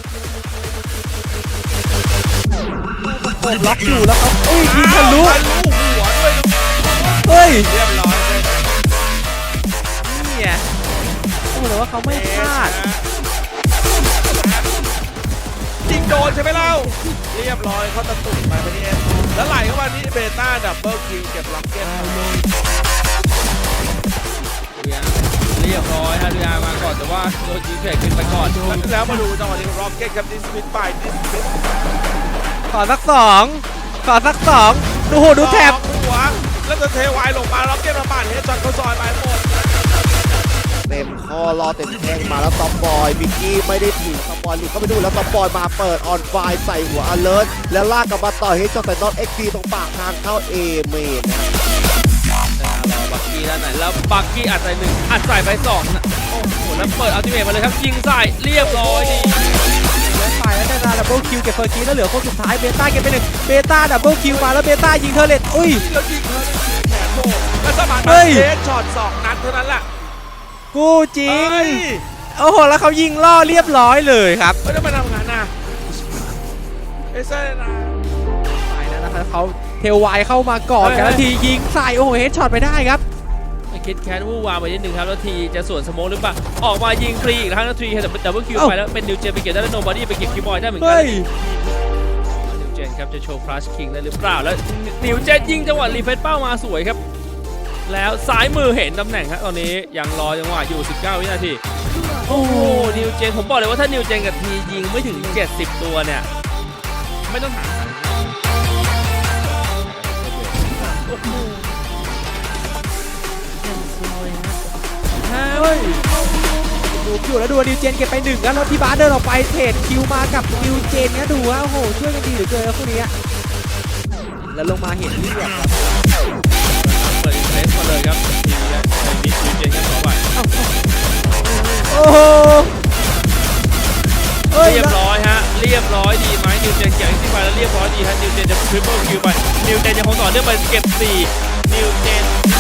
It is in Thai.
เปิดล็อกอยู่แล้วครับยิงทะลุหัวด้วยเฮ้ยเรียบร้อยเลยนี่ไงต้องบอกเลยว่าเขาไม่พลาดยิงโดนใช่ไหมเล่าเรียบร้อยเขาตะตุ่มไปที่เอสแล้วไหลเข้ามาที่เบต้าดับเบิลคิวเก็บล็อกเก็ตเรียบร้อยฮะดูอามาก่อนแต่ว่าโดนยิงเสร็จขึ้นไปก่อนแล้วมาดูจังหวะนี้ล็อกเก็ตครับดิสมิทไปดิสมิทขอสักสองดูโหดูแถบหัวแล้วจะเทวายลงมาล็อกเก็ตมาปาดเฮดช็อตเขาซอยไปหมดเต็มข้อรอเต็มแข้งมาแล้วซอมบอยบิกกี้ไม่ได้ถีบซอมบอยหลุดเข้าไปดูแล้วซอมบอยมาเปิดออนไฟใส่หัวอเลิร์ตแล้วลากกลับมาต่อเฮดช็อตใส่น็อตเอ็กซ์พีตรงปากทางเข้าเอเมนนะรอบักกี้ด้านไหนแล้วบักกี้อัดใส่1อัดใส่ไป2นะโอ้โหแล้วเปิดอัลติเมทมาเลยครับยิงใส่เรียบร้อยดีแล้วไปแล้วได้นาดับเบิลคิวเก็บเฟอร์คีแล้วเหลือคนสุดท้ายเบต้าเก็บไป1เบต้าดับเบิลคิวมาแล้วเบต้ายิงเทอร์เลตอุ้ยแล้วยิงเขาแขนโบแล้วสมานเฮ้ยเฮดช็อต2นัดเท่านั้นแหละกูจริงเฮ้ยโอ้โหแล้วเขายิงล่อเรียบร้อยเลยครับไม่ได้มาทำงานนะเอเซ่นะไปแล้วนะครับเขาเทลไวเข้ามาก่อนกันแล้วทียิงใส่โอ้โหเฮดช็อตไปได้ครับคิดแคทวู่วางไปนิดนึงครับแล้วทีจะสวนสโมกหรือเปล่าออกมายิงฟรีอีกครั้งแล้วทีแต่ดับเบิลคิวไปแล้วเป็นนิวเจนไปเก็บได้แล้วโนบอดี้ไปเก็บคิวบอยได้เหมือนกัเฮ้นยนิวเจนครับจะโชว์คลาสคิงได้หรือเปล่าแล้วนิวเจนยิงจังหวะรีเฟซเป้ามาสวยครับแล้วซ้ายมือเห็นตำแหน่งครับตอนนี้ยังรอจังหวะอยู่19วินาทีโอ้โหนิวเจนผมบอกเลยว่าถ้านิวเจนกับทียิงไม่ถึง70ตัวเนี่ยไม่ต้องหาเฮ้ยดูอยู่แล้วดูนิวเจนเก็บไป1แล้วพี่บาสเดินออกไปเทรดคิวมากับนิวเจนนะดูว่าโอ้โหช่วยกันดีเหลือเกินนะคู่นี้แล้วลงมาเห็นเลือดครับเปิดอินเทรสมาเลยครับทีมเนี่ยในมิดนิวเจนกันต่อไปโอ้โหเฮ้ยเรียบร้อยฮะเรียบร้อยดีไหมนิวเจนเก็บที่ไปแล้วเรียบร้อยดีฮะนิวเจนจะทริปเปิลคิวไปนิวเจนยังคงต่อเนื่องไปเก็บ4นิวเจน